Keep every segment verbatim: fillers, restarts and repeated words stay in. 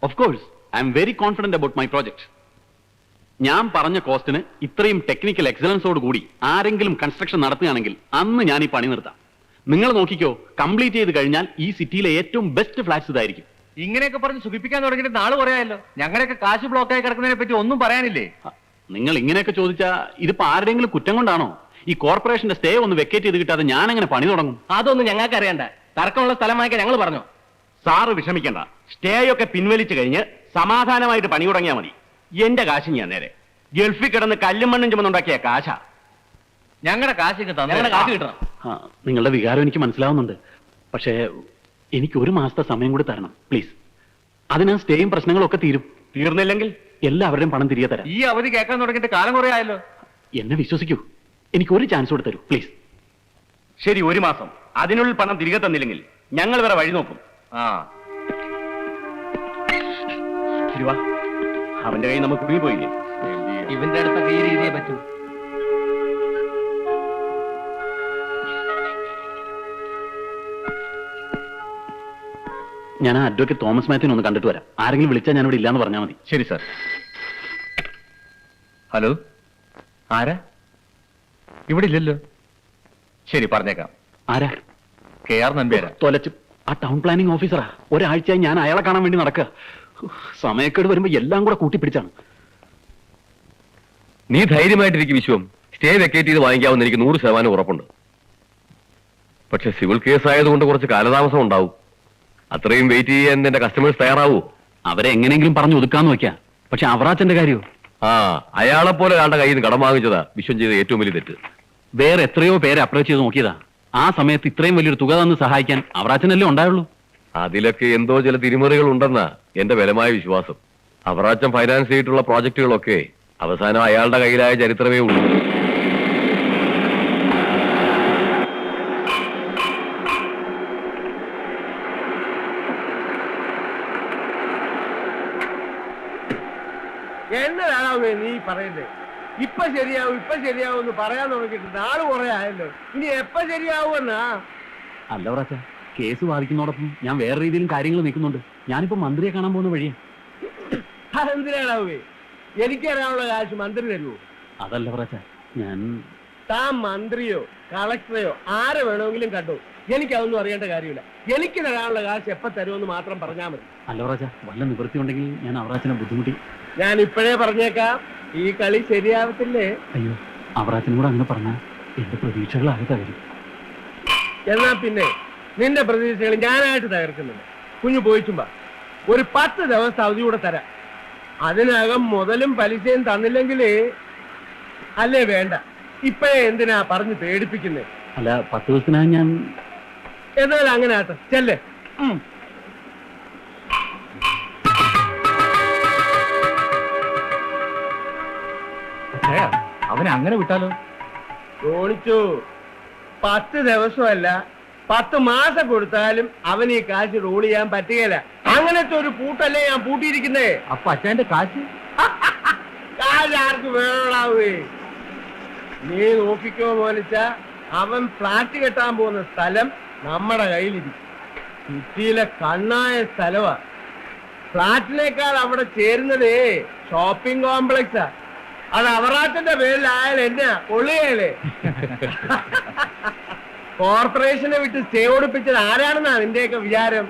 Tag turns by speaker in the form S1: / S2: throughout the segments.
S1: Of course I'm very confident about my project. ഞാൻ പറഞ്ഞ കോസ്റ്റിന് ഇത്രയും ടെക്നിക്കൽ എക്സലൻസോട് കൂടി ആരെങ്കിലും കൺസ്ട്രക്ഷൻ നടത്തുകയാണെങ്കിൽ അന്ന് ഞാൻ ഈ പണി നിർത്താം. നിങ്ങൾ നോക്കിക്കോ, കംപ്ലീറ്റ് ചെയ്ത് കഴിഞ്ഞാൽ ഈ സിറ്റിയിലെ ഏറ്റവും ബെസ്റ്റ് ഫ്ലാറ്റ്സ് ഇതായിരിക്കും.
S2: ഇങ്ങനെയൊക്കെ പറഞ്ഞ് സുഖിപ്പിക്കാൻ തുടങ്ങിയിട്ട് നാള് പറയാമല്ലോ. ഞങ്ങളുടെയൊക്കെ കാശ് ബ്ലോക്കായി കിടക്കുന്നതിനെ പറ്റി ഒന്നും പറയാനില്ലേ?
S1: നിങ്ങൾ ഇങ്ങനെയൊക്കെ ചോദിച്ചാൽ ഇതിപ്പോ ആരുടെയെങ്കിലും കുറ്റം കൊണ്ടാണോ? ഈ കോർപ്പറേഷന്റെ സ്റ്റേ ഒന്ന് വെക്കേറ്റ് ചെയ്ത് കിട്ടാതെ ഞാൻ എങ്ങനെ പണി തുടങ്ങും?
S2: അതൊന്നും ഞങ്ങൾക്ക് അറിയണ്ട. തർക്കമുള്ള സ്ഥലം വാങ്ങിക്കാൻ ഞങ്ങൾ പറഞ്ഞു.
S3: സാറ് വിഷമിക്കണ്ട, സ്റ്റേ ഒക്കെ പിൻവലിച്ചു കഴിഞ്ഞ് സമാധാനമായിട്ട് പണി തുടങ്ങിയാൽ മതി. എന്റെ കാശ് ഞാൻ നേരെ ഗൾഫിൽ കിടന്ന് കല്ലും മണ്ണും ചുമന്നുണ്ടാക്കിയ കാശാ.
S2: ഞങ്ങളുടെ കാശ് കിട്ടാം, ഞങ്ങളുടെ കാശ് കിട്ടണം.
S1: നിങ്ങളുടെ വികാരം എനിക്ക് മനസ്സിലാവുന്നുണ്ട്. പക്ഷേ എനിക്ക് ഒരു മാസത്തെ സമയം കൂടി തരണം പ്ലീസ്. അതിന് സ്റ്റേയും പ്രശ്നങ്ങളും ഒക്കെ തീരും.
S3: തീർന്നില്ലെങ്കിൽ
S1: എല്ലാവരുടെയും പണം തിരികെ തരാം.
S2: ഈ അവധി കേൾക്കാൻ തുടങ്ങിയിട്ട് കാലം കുറെ ആയല്ലോ.
S1: എന്നെ വിശ്വസിക്കൂ, എനിക്ക് ഒരു ചാൻസ് കൂടെ തരൂ പ്ലീസ്.
S3: ശരി, ഒരു മാസം. അതിനുള്ളിൽ പണം തിരികെ തന്നില്ലെങ്കിൽ ഞങ്ങൾ വേറെ വഴി നോക്കും.
S2: ആ
S3: ശരി, വാ. അവന്റെ കൈ നമുക്ക് കുടുങ്ങിപ്പോയില്ലേ?
S2: ഇവന്റെ അടുത്തൊക്കെ ഈ രീതിയെ പറ്റൂ.
S1: ഞാൻ അഡ്വക്കേറ്റ് തോമസ് മാത്യുവിനെ ഒന്ന് കണ്ടിട്ട് വരാം. ആരെങ്കിലും വിളിച്ചാൽ ഞാൻ ഇവിടെ ഇല്ലാന്ന് പറഞ്ഞാൽ മതി.
S3: ശരി സാർ.
S2: ഹലോ, ആരാ? ഇവിടെ ഇല്ലല്ലോ. ശരി, പറഞ്ഞേക്കാം.
S1: ആരാ?
S2: കെ ആർ നമ്പ്യാരാ.
S1: തൊലച്ചു. ആ ടൗൺ പ്ലാനിംഗ് ഓഫീസറാ. ഒരാഴ്ചയായി ഞാൻ അയാളെ കാണാൻ വേണ്ടി നടക്കുക. സമയക്കേട് വരുമ്പോ എല്ലാം കൂടെ കൂട്ടിപ്പിടിച്ചാണ്.
S4: നീ ധൈര്യമായിട്ടിരിക്കും വിശ്വം. സ്റ്റേ വെക്കേറ്റ് ചെയ്ത് വാങ്ങിക്കാവുന്ന എനിക്ക് നൂറ് ശതമാനം ഉറപ്പുണ്ട്. പക്ഷെ സിവിൽ കേസ് ആയതുകൊണ്ട് കുറച്ച് കാലതാമസം ഉണ്ടാവും. അത്രയും വെയിറ്റ് ചെയ്യാൻ എന്റെ കസ്റ്റമേഴ്സ് തയ്യാറാവൂ?
S1: അവരെ എങ്ങനെയെങ്കിലും പറഞ്ഞു ഒതുക്കാന്ന് വെക്കാം. പക്ഷെ അവറാച്ചന്റെ കാര്യമോ?
S4: ആ, അയാളെ പോലെ ഒരാളുടെ കയ്യിൽ നിന്ന് കടം വാങ്ങിച്ചതാ വിശ്വം ചെയ്ത ഏറ്റവും വലിയ തെറ്റ്.
S1: വേറെ എത്രയോ പേരെ അപ്രോച്ച് ചെയ്ത് നോക്കിയതാ. ആ സമയത്ത് ഇത്രയും വലിയൊരു തുക തന്ന് സഹായിക്കാൻ അവറാച്ചനല്ലേ ഉണ്ടായുള്ളൂ.
S4: അതിലൊക്കെ എന്തോ ചില തിരിമറികൾ ഉണ്ടെന്നാ എന്റെ ബലമായ വിശ്വാസം. അവറാച്ചൻ ഫൈനാൻസ് ചെയ്തിട്ടുള്ള പ്രോജക്റ്റുകളൊക്കെ അവസാനം അയാളുടെ കയ്യിലായ ചരിത്രമേ ഉള്ളൂ.
S5: എന്നതാണോ നീ പറയുന്നത്? ഇപ്പൊ ശരിയാവും ഇപ്പൊ ശരിയാവും എന്ന് പറയാൻ തുടങ്ങിയിട്ട് നാള് കുറെ ആയല്ലോ. ഇനി എപ്പ ശരിയാവുമെന്നാ?
S1: അല്ല അവറാച്ച, കേസ് വാദിക്കുന്നതോടൊപ്പം ഞാൻ വേറെ രീതിയിലും കാര്യങ്ങൾ നീക്കുന്നുണ്ട്. ഞാനിപ്പോ മന്ത്രിയെ കാണാൻ പോകുന്ന വഴിയാ.
S5: അതെന്തിനാണാവേ? എനിക്കറിയാനുള്ള കാശ് മന്ത്രി തരുമോ?
S1: അതല്ല അവറാച്ച, ഞാൻ
S5: താൻ മന്ത്രിയോ കളക്ടറെയോ ആരെ വേണമെങ്കിലും കണ്ടോ, എനിക്കതൊന്നും അറിയേണ്ട കാര്യമില്ല. എനിക്ക് തരാനുള്ള കാശ് എപ്പ തരുമെന്ന് മാത്രം പറഞ്ഞാൽ മതി.
S1: അല്ല അവറാച്ച, വല്ല നിവൃത്തി ഉണ്ടെങ്കിൽ ഞാൻ അവറാച്ചനെ ബുദ്ധിമുട്ടി.
S5: ഞാൻ ഇപ്പോഴേ പറഞ്ഞേക്കാം, ഈ കളി ശരിയാവത്തില്ലേ?
S1: അയ്യോ, അവറാച്ചനും കൂടെ അങ്ങനെ പറഞ്ഞാൽ എന്റെ പ്രതീക്ഷകളാകെ തകരും.
S5: എന്നാ പിന്നെ നിന്റെ പ്രതീക്ഷകൾ ഞാനായിട്ട് തകർക്കുന്നില്ല. കുഞ്ഞു പോയിച്ചുമ്പോ ഒരു പത്ത് ദിവസം അവധി കൂടെ തരാം. അതിനകം മുതലും പലിശയും തന്നില്ലെങ്കിലേ അല്ലേ വേണ്ട. ഇപ്പഴേ എന്തിനാ പറഞ്ഞ് പേടിപ്പിക്കുന്നേ?
S1: അല്ല, പത്ത് ദിവസത്തിനായി ഞാൻ.
S5: എന്നാലും അങ്ങനെ ആട്ടെ, ചെല്ലേ.
S2: അവനെ അങ്ങനെ വിട്ടാലോ?
S5: തോണിച്ചു, പത്ത് ദിവസമല്ല പത്ത് മാസം കൊടുത്താലും അവന് ഈ കാശ് റോൾ ചെയ്യാൻ പറ്റുകയില്ല. അങ്ങനത്തെ ഒരു പൂട്ടല്ലേ ഞാൻ പൂട്ടിയിരിക്കുന്നേ.
S2: അപ്പൊ അച്ഛന്റെ കാശ്
S5: കാശ് ആർക്ക് വേണാവേ? നീ നോക്കിക്കോ മോനിച്ച, അവൻ ഫ്ലാറ്റ് കെട്ടാൻ പോകുന്ന സ്ഥലം നമ്മുടെ കയ്യിലിരിക്കും. സിറ്റിയിലെ കണ്ണായ സ്ഥലമാ. ഫ്ലാറ്റിനേക്കാൾ അവിടെ ചേരുന്നതേ ഷോപ്പിംഗ് കോംപ്ലക്സാ. അത് അവറാച്ചന്റെ പേരിലായാലും എന്നാ കൊള്ളുകയല്ലേ? കോർപ്പറേഷനെ വിട്ട് സ്റ്റേ ഓടിപ്പിച്ചത് ആരാണെന്നാ നിന്റെയൊക്കെ വിചാരം?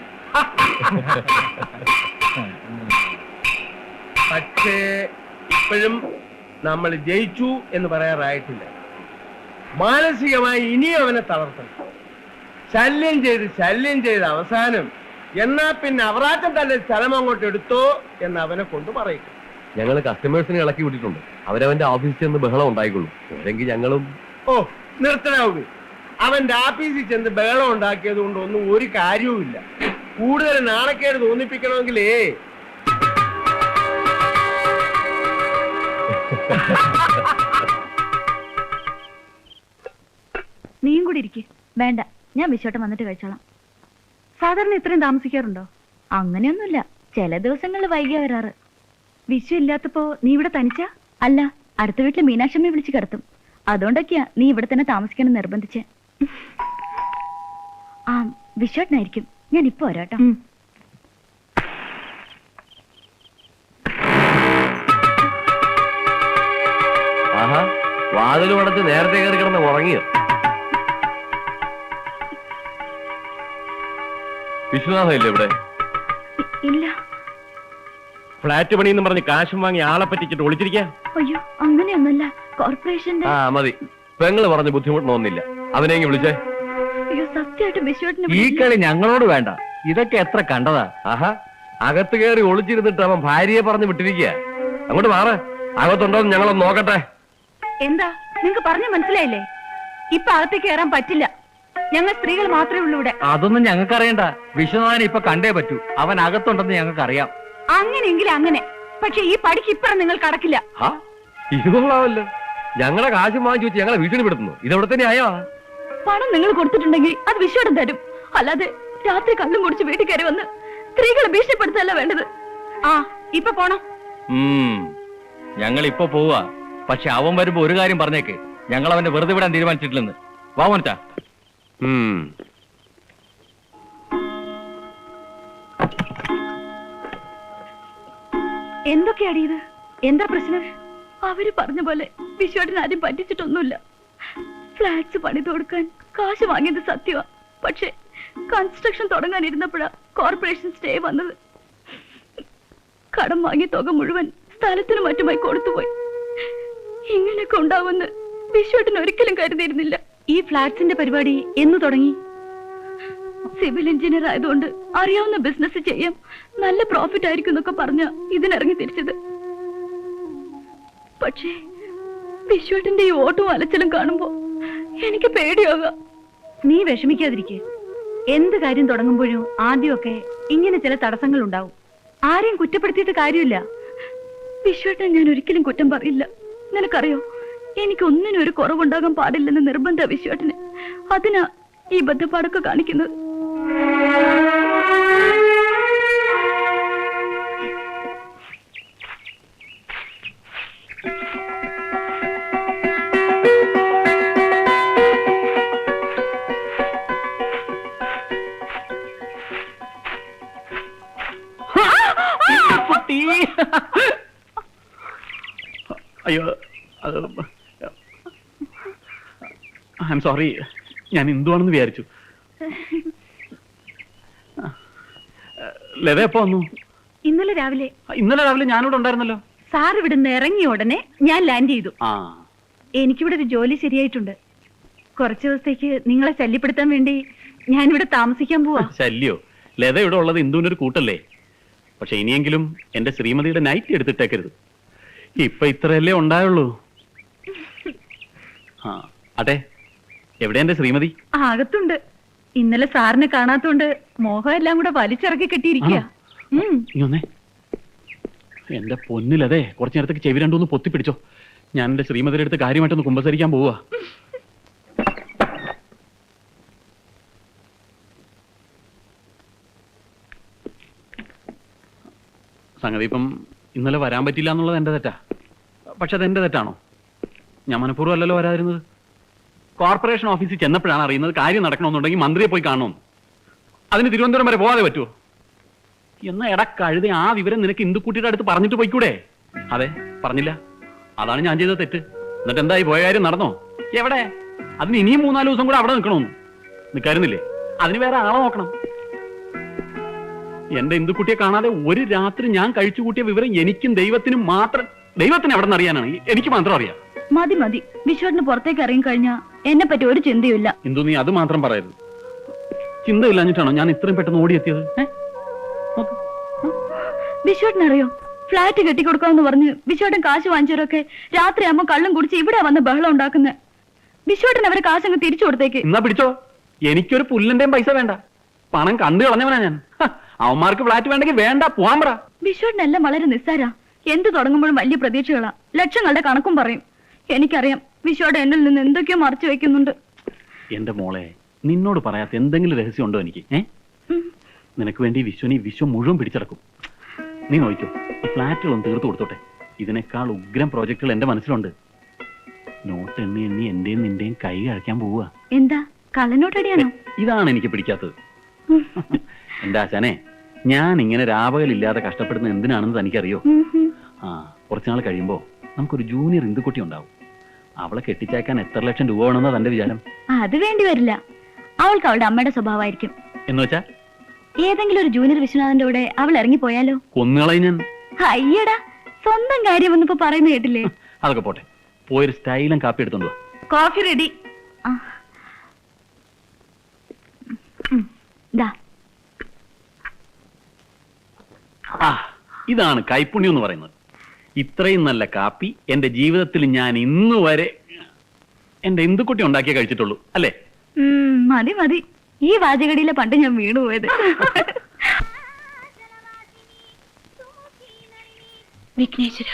S5: പക്ഷേ ഇപ്പോഴും നമ്മൾ ജയിച്ചു എന്ന് പറയാറായിട്ടില്ല. മാനസികമായി ഇനിയും അവനെ തളർത്തണം. ശല്യം ചെയ്ത് ശല്യം ചെയ്ത് അവസാനം എന്നാ പിന്നെ അവറാച്ചൻ തന്നെ സ്ഥലം അങ്ങോട്ട് എടുത്തോ എന്ന് അവനെ കൊണ്ട് പറയിക്കും.
S4: ഞങ്ങൾ കസ്റ്റമേഴ്സിനെ ഇളക്കി വിട്ടിട്ടുണ്ട്. അവരവന്റെ ഓഫീസിൽ ചെന്ന് ബഹളം ഉണ്ടായിക്കൊള്ളും. അല്ലെങ്കിൽ ഞങ്ങളും.
S5: ഓ നിർത്തനാവൂ. അവന്റെ ആഫീസിൽ ചെന്ന് ബഹളം ഉണ്ടാക്കിയത് കൊണ്ട് ഒന്നും ഒരു കാര്യവുമില്ല. കൂടുതൽ നാണക്കേട് തോന്നിപ്പിക്കണമെങ്കിലേ
S6: നീയും കൂടി ഇരിക്കെ. വേണ്ട, ഞാൻ വിശ്വട്ടം വന്നിട്ട് കഴിച്ചോളാം. സാധാരണ ഇത്രയും താമസിക്കാറുണ്ടോ? അങ്ങനെയൊന്നുമില്ല, ചില ദിവസങ്ങളിൽ വൈകിയ വരാറ്. വിശ്വ ഇല്ലാത്തപ്പോ നീ ഇവിടെ തനിച്ചാ? അല്ല, അടുത്ത വീട്ടില് മീനാക്ഷമ്മയെ വിളിച്ച് കിടത്തും. അതുകൊണ്ടൊക്കെയാ നീ ഇവിടെ തന്നെ താമസിക്കണം നിർബന്ധിച്ച്. ആ, വിശ്വട്ടനായിരിക്കും. ഞാൻ ഇപ്പൊ വരാട്ടോ.
S4: വാതിലും അടച്ച് നേരത്തെ കയറി കിടന്ന് ഉറങ്ങിയോ? വിശ്വനാഥ ഇല്ലേ ഇവിടെ?
S6: ഇ- ഇല്ല.
S3: ഫ്ലാറ്റ് പണിയെന്ന് പറഞ്ഞ് കാശും വാങ്ങി ആളെ പറ്റിച്ചിട്ട് ഒളിച്ചിരിക്കാൻ.
S6: അയ്യോ അങ്ങനെയൊന്നല്ല, കോർപ്പറേഷന്റെ.
S4: ആ മതി, പെങ്ങള് പറഞ്ഞ് ബുദ്ധിമുട്ടണമെന്നില്ല. അവനെങ്കിൽ വിളിച്ചേ.
S6: അയ്യോ സത്യമായിട്ട് ബിശ്വട്ടിനെ
S2: ഈ കളി ഞങ്ങളോട് വേണ്ട. ഇതൊക്കെ എത്ര കണ്ടതാ.
S4: ആഹാ, അകത്ത് കയറി ഒളിച്ചിരുന്നിട്ട് അവൻ ഭാര്യയെ പറഞ്ഞ് വിട്ടിരിക്കുക. അങ്ങോട്ട് മാറ്, അകത്തുണ്ടോന്ന് ഞങ്ങളൊന്ന് നോക്കട്ടെ.
S6: എന്താ നിങ്ങക്ക് പറഞ്ഞു മനസ്സിലായില്ലേ? ഇപ്പൊ അകത്തേക്ക് കയറാൻ പറ്റില്ല. ഞങ്ങൾ സ്ത്രീകൾ മാത്രമേ ഉള്ളൂ ഇവിടെ.
S2: അതൊന്നും ഞങ്ങൾക്ക് അറിയണ്ട. വിശ്വനാഥനെ ഇപ്പൊ കണ്ടേ പറ്റൂ. അവൻ അകത്തുണ്ടെന്ന് ഞങ്ങൾക്ക് അറിയാം.
S6: അങ്ങനെയെങ്കിൽ അങ്ങനെ. പക്ഷെ ഈ പടിക്ക് ഇപ്പഴും നിങ്ങൾ കടക്കില്ല.
S4: ആ ഇത് കൊള്ളാമല്ലോ. ഞങ്ങളെ കാശും വാങ്ങിച്ചു വെച്ച് ഞങ്ങളെ ഭീഷണിപ്പെടുത്തുന്നു. ഇതെവിടെ തന്നെ ആയോ?
S6: പണം നിങ്ങൾ കൊടുത്തിട്ടുണ്ടെങ്കിൽ അത് വിശ്വടം തരും. അല്ലാതെ രാത്രി കള്ളും കുടിച്ച് വീട്ടിൽ കയറി വന്ന് സ്ത്രീകളെ ഭീഷണിപ്പെടുത്തല്ല വേണ്ടത്. ആ ഇപ്പൊ പോണം.
S2: ഞങ്ങൾ ഇപ്പൊ പോവാ. പക്ഷെ അവൻ വരുമ്പോ ഒരു കാര്യം പറഞ്ഞേക്ക്, ഞങ്ങൾ അവനെ വെറുതെ വിടാൻ തീരുമാനിച്ചിട്ടില്ലെന്ന്. വാ മോനിച്ചാ.
S4: ഉം.
S6: എന്തൊക്കെയാടി ഇത്? എന്താ പ്രശ്നം? അവര് പറഞ്ഞ പോലെ വിശ്വട്ടിന് ആരും പറ്റിച്ചിട്ടൊന്നുമില്ല. ഫ്ലാറ്റ്സ് പണിത് കൊടുക്കാൻ കാശ് വാങ്ങിയത് സത്യമാ. പക്ഷെ കൺസ്ട്രക്ഷൻ തുടങ്ങാനിരുന്നപ്പോഴാ കോർപ്പറേഷൻ സ്റ്റേ വന്നത്. കടം വാങ്ങിയ തുക മുഴുവൻ സ്ഥലത്തിനും മറ്റുമായി കൊടുത്തുപോയി. ഇങ്ങനെയൊക്കെ ഉണ്ടാവുമെന്ന് വിശ്വട്ടിന് ഒരിക്കലും കരുതിയിരുന്നില്ല. ഈ ഫ്ലാറ്റ്സിന്റെ പരിപാടി എന്ന് തുടങ്ങി? സിവിൽ എഞ്ചിനീയർ ആയതുകൊണ്ട് അറിയാവുന്ന ബിസിനസ് ചെയ്യാം, നല്ല പ്രോഫിറ്റ് ആയിരിക്കും എന്നൊക്കെ പറഞ്ഞ ഇതിനിറങ്ങി തിരിച്ചത്. പക്ഷേ വിശ്വട്ടിന്റെ ഈ ഓട്ടവും അലച്ചിലും കാണുമ്പോ എനിക്ക് പേടിയാകാം. നീ വിഷമിക്കാതിരിക്കെ. എന്ത് കാര്യം തുടങ്ങുമ്പോഴും ആദ്യമൊക്കെ ഇങ്ങനെ ചില തടസ്സങ്ങൾ ഉണ്ടാവും. ആരെയും കുറ്റപ്പെടുത്തിയിട്ട് കാര്യമില്ല. വിശ്വട്ടൻ ഞാൻ ഒരിക്കലും കുറ്റം പറയില്ല. നിനക്കറിയോ, എനിക്കൊന്നിനും ഒരു കുറവുണ്ടാകാൻ പാടില്ലെന്ന് നിർബന്ധ വിശ്വട്ടന്. അതിനാ ഈ ബദ്ധപ്പാടൊക്കെ കാണിക്കുന്നത്.
S1: അയ്യോ അത് ഐ എം സോറി. ഞാൻ എന്തുവാണെന്ന് വിചാരിച്ചു. ലത എപ്പോ വന്നു?
S6: ഇന്നലെ രാവിലെ.
S1: ഇന്നലെ രാവിലെ ഞാനിവിടെ ഉണ്ടായിരുന്നല്ലോ.
S6: സാർ ഇവിടുന്ന് ഇറങ്ങിയ ഉടനെ ഞാൻ ലാൻഡ് ചെയ്തു.
S1: ആ
S6: എനിക്കിവിടെ ഒരു ജോലി ശരിയായിട്ടുണ്ട്. കുറച്ചു ദിവസത്തേക്ക് നിങ്ങളെ ശല്യപ്പെടുത്താൻ വേണ്ടി ഞാനിവിടെ താമസിക്കാൻ പോവാ.
S1: ശല്യോ? ലത ഇവിടെ ഉള്ളത് ഇന്ദുവിന്റെ ഒരു കൂട്ടല്ലേ. പക്ഷെ ഇനിയെങ്കിലും എന്റെ ശ്രീമതിയുടെ നൈറ്റ് എടുത്തിട്ടേക്കരുത്. ഇപ്പൊ ഇത്രയല്ലേ ഉണ്ടായുള്ളൂ. ആ അതെ, എവിടെ എന്റെ ശ്രീമതി?
S6: അകത്തുണ്ട്. ഇന്നലെ സാറിനെ കാണാത്തോണ്ട് മോഹം എല്ലാം കൂടെ വലിച്ചിറക്കി കെട്ടിയിരിക്കുക.
S1: ഇങ്ങൊന്നേ, എന്റെ പൊന്നിലതെ കുറച്ചു നേരത്തേക്ക് ചെവി രണ്ടൊന്ന് പൊത്തിപ്പിടിച്ചോ. ഞാൻ എന്റെ ശ്രീമതിയുടെ അടുത്ത് കാര്യമായിട്ടൊന്ന് കുമ്പസരിക്കാൻ പോവാ. സംഗതി ഇപ്പം ഇന്നലെ വരാൻ പറ്റില്ല എന്നുള്ളത് എന്റെ തെറ്റാ. പക്ഷെ അതെന്റെ തെറ്റാണോ? ഞാൻ മനഃപൂർവ്വം അല്ലല്ലോ വരാതിരുന്നത്. കോർപ്പറേഷൻ ഓഫീസിൽ ചെന്നപ്പോഴാണ് അറിയുന്നത് കാര്യം നടക്കണമെന്നുണ്ടെങ്കിൽ മന്ത്രിയെ പോയി കാണണമെന്ന്. അതിന് തിരുവനന്തപുരം വരെ പോകാതെ പറ്റുമോ? എന്നാ എടാ കഴുതി, ആ വിവരം നിനക്ക് ഇന്ദുക്കുട്ടിയുടെ അടുത്ത് പറഞ്ഞിട്ട് പോയിക്കൂടെ? അതെ, പറഞ്ഞില്ല. അതാണ് ഞാൻ ചെയ്ത തെറ്റ്. എന്നിട്ട് എന്തായി, പോയ കാര്യം നടന്നോ? എവിടെ? അതിന് ഇനിയും മൂന്നാല് ദിവസം കൂടെ അവിടെ നിൽക്കണമെന്ന് നിൽക്കായിരുന്നില്ലേ? അതിന് വേറെ ആളെ നോക്കണം. എന്റെ ഇന്ദുക്കുട്ടിയെ കാണാതെ ഒരു രാത്രി ഞാൻ കഴിച്ചു കൂട്ടിയ വിവരം എനിക്കും ദൈവത്തിനും മാത്രം. ദൈവത്തിന് എവിടെ നിന്ന് അറിയാനാണ്? എനിക്ക് മാത്രം അറിയാം.
S6: മതി മതി, വിശ്വട്ടിന് പുറത്തേക്ക് ഇറങ്ങി കഴിഞ്ഞാ എന്നെ പറ്റി ഒരു ചിന്തയുമില്ല.
S1: ഇന്ദു, നീ അത് മാത്രം പറയരുത്. ചിന്തയില്ലാഞ്ഞിട്ടാണോ ഞാൻ ഇത്രയും പെട്ടെന്ന് ഓടിയെത്തിയത്?
S6: വിശ്വട്ടിനറിയോ, ഫ്ലാറ്റ് കെട്ടിക്കൊടുക്കാമെന്ന് പറഞ്ഞ് വിശ്വട്ടൻ കാശ് വാങ്ങിച്ചവരൊക്കെ രാത്രിയാകുമ്പോ കള്ളും കുടിച്ച് ഇവിടെ വന്ന് ബഹളം ഉണ്ടാക്കുന്നത്. വിശ്വട്ടൻ അവരെ കാശങ്ങ് തിരിച്ചു കൊടുത്തേക്ക്.
S1: എന്നാ പിടിച്ചോ. എനിക്കൊരു പുല്ലിന്റെയും പൈസ വേണ്ട. പണം കണ്ടു കളഞ്ഞവനാ ഞാൻ. അവന്മാർക്ക് ഫ്ലാറ്റ് വേണ്ടെങ്കിൽ വേണ്ട, പോവാൻ പറ.
S6: വിശ്വട്ടിനെല്ലാം വളരെ നിസ്സാരാ. എന്ത് തുടങ്ങുമ്പോഴും വലിയ പ്രതീക്ഷകളാ. ലക്ഷങ്ങളുടെ കണക്കും പറയും. എനിക്കറിയാം വിശ്വയുടെ എന്നിൽ നിന്ന് എന്തൊക്കെയോ മറച്ചു വെക്കുന്നുണ്ട്.
S1: എന്റെ മോളെ, നിന്നോട് പറയാത്ത എന്തെങ്കിലും രഹസ്യം ഉണ്ടോ എനിക്ക്? ഏ നിനക്ക് വേണ്ടി വിശ്വനി വിശ്വം മുഴുവൻ പിടിച്ചടക്കും. നീ നോക്കിക്കോ, ഈ ഫ്ലാറ്റുകളൊന്നും തീർത്തു കൊടുത്തോട്ടെ. ഇതിനേക്കാൾ ഉഗ്രം പ്രോജക്റ്റുകൾ എന്റെ മനസ്സിലുണ്ട്. നോട്ട് എണ്ണി എണ്ണി എന്റെയും നിന്റെയും കൈ കഴിക്കാൻ പോവുക.
S6: എന്താ കള്ളനോട്ടടിയാണോ?
S1: ഇതാണ് എനിക്ക് പിടിക്കാത്തത്. എന്റെ ആശാനെ, ഞാൻ ഇങ്ങനെ രാപകലില്ലാതെ കഷ്ടപ്പെടുന്ന എന്തിനാണെന്ന് തനിക്കറിയോ? ആ കുറച്ചുനാൾ കഴിയുമ്പോ നമുക്കൊരു ജൂനിയർ ഇന്ദുക്കുട്ടി ഉണ്ടാവും. അവളെ കെട്ടിച്ചേക്കാൻ എത്ര ലക്ഷം രൂപ വേണമെന്നാ തന്റെ വിചാരം?
S6: അത് വേണ്ടി വരില്ല. അവൾക്ക് അവളുടെ അമ്മയുടെ സ്വഭാവമായിരിക്കും.
S1: എന്ന് വെച്ചാ
S6: ഏതെങ്കിലും ഒരു ജൂനിയർ വിശ്വനാഥന്റെ കൂടെ അവൾ ഇറങ്ങിപ്പോയാലോ?
S1: കൊന്നുകളയും ഞാൻ.
S6: അയ്യടാ, സ്വന്തം കാര്യം ഒന്നിപ്പോ പറയുന്ന കേട്ടില്ലേ?
S1: അതൊക്കെ പോട്ടെ, പോയൊരു സ്റ്റൈലും കാപ്പി എടുത്തോണ്ട് വാ.
S6: Coffee ready.
S1: ആ, ഇതാണ് കൈപ്പുണ്യം എന്ന് പറയുന്നത്. ഇത്രയും നല്ല കാപ്പി എന്റെ ജീവിതത്തിൽ ഞാൻ ഇന്ന് വരെ എന്റെ ഇന്ദുക്കുട്ടി ഉണ്ടാക്കിയേ കഴിച്ചിട്ടുള്ളൂ, അല്ലേ?
S6: മതി മതി, ഈ വാചകടിയിലെ പണ്ട് ഞാൻ വീണു പോയത്. വിഘ്നേശ്വര,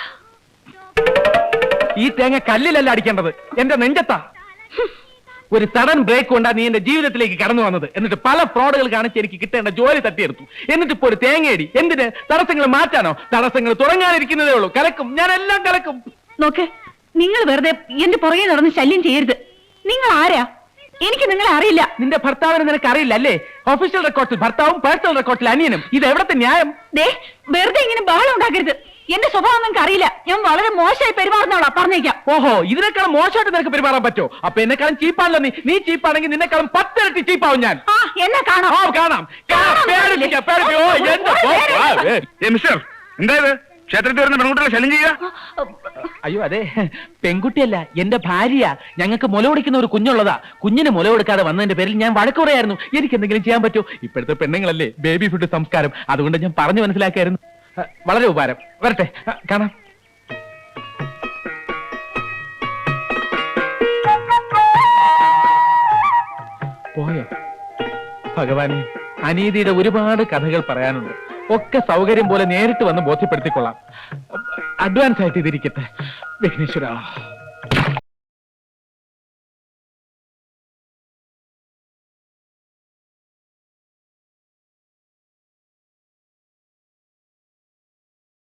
S5: ഈ തേങ്ങ കല്ലിലല്ല അടിക്കേണ്ടത്, എന്റെ നെഞ്ചത്താ. ഒരു സഡൻ ബ്രേക്ക് കൊണ്ടാ നീ എന്റെ ജീവിതത്തിലേക്ക് കടന്നു വന്നത്. എന്നിട്ട് പല ഫ്രോഡുകൾ കാണിച്ച് എനിക്ക് കിട്ടേണ്ട ജോലി തട്ടിയെടുത്തു. എന്നിട്ട് ഇപ്പോ ഒരു തേങ്ങയടി. എന്തിന്? തടസ്സങ്ങൾ മാറ്റാനോ? തടസ്സങ്ങൾ തുടങ്ങാനിരിക്കുന്നതേ ഉള്ളൂ. കലക്കും, ഞാൻ എല്ലാം കലക്കും.
S6: നോക്ക്, നിങ്ങൾ വെറുതെ എന്റെ പുറകെ നടന്ന് ശല്യം ചെയ്യരുത്. നിങ്ങൾ ആരാ? എനിക്ക് നിങ്ങളെ അറിയില്ല.
S5: നിന്റെ ഭർത്താവിനെ നിനക്ക് അറിയില്ല അല്ലേ? ഒഫീഷ്യൽ റെക്കോർഡിൽ ഭർത്താവും പേഴ്സണൽ റെക്കോർഡിൽ അനിയനും. ഇത് എവിടത്തെ ന്യായം?
S6: ദേ, വെറുതെ ഇങ്ങനെ ബഹളം ഉണ്ടാക്കരുത്. എന്റെ സ്വഭാവം നിങ്ങൾക്ക് അറിയില്ല. ഞാൻ വളരെ മോശമായി പെരുമാറുന്നവളാ, പറഞ്ഞേക്കാം.
S5: ഓഹോ, ഇതിനേക്കാളും മോശമായിട്ട് നിനക്ക് പെരുമാറാൻ പറ്റോ? അപ്പൊ എന്നെക്കാളും ചീപ്പാണല്ലോ നീ. നീ ചീപ്പാണെങ്കിൽ നിന്നെക്കാളും പത്തിരട്ടി ചീപ്പാവും ഞാൻ.
S6: ആ, എന്നെ കാണാം.
S5: ഓ, കാണാം. കാണാം. പേടിപ്പിക്കാം, പേടിപ്പിക്കാം. ഓ, എന്താ? ഓ, ആ, ഏ.
S3: മിസ്റ്റർ, എന്തായത്? ക്ഷേത്രത്തിൽ വരുന്ന പെൺകുട്ടികളെ ശല്യം ചെയ്യുക?
S5: അയ്യോ, അതെ, പെൺകുട്ടിയല്ല, എന്റെ ഭാര്യ. ഞങ്ങൾക്ക് മുല കൊടുക്കുന്ന ഒരു കുഞ്ഞുള്ളതാ. കുഞ്ഞിന് മുല കൊടുക്കാതെ വന്നതിന്റെ പേരിൽ ഞാൻ വഴക്ക് പറയായിരുന്നു. എനിക്ക് എന്തെങ്കിലും ചെയ്യാൻ പറ്റൂ? ഇപ്പോഴത്തെ പെണ്ണുങ്ങളല്ലേ ബേബി ഫുഡ് സംസ്കാരം. അതുകൊണ്ട് ഞാൻ പറഞ്ഞു മനസ്സിലാക്കായിരുന്നു. വളരെ ഉപകാരം. വരട്ടെ, കാണാം. പോയോ? ഭഗവാനെ, അനീതിയുടെ ഒരുപാട് കഥകൾ പറയാനുണ്ട്. ഒക്കെ സൗകര്യം പോലെ നേരിട്ട് വന്ന് ബോധ്യപ്പെടുത്തിക്കൊള്ളാം. അഡ്വാൻസ് ആയിട്ട് ഇതിരിക്കട്ടെ. വിഘ്നേശ്വര.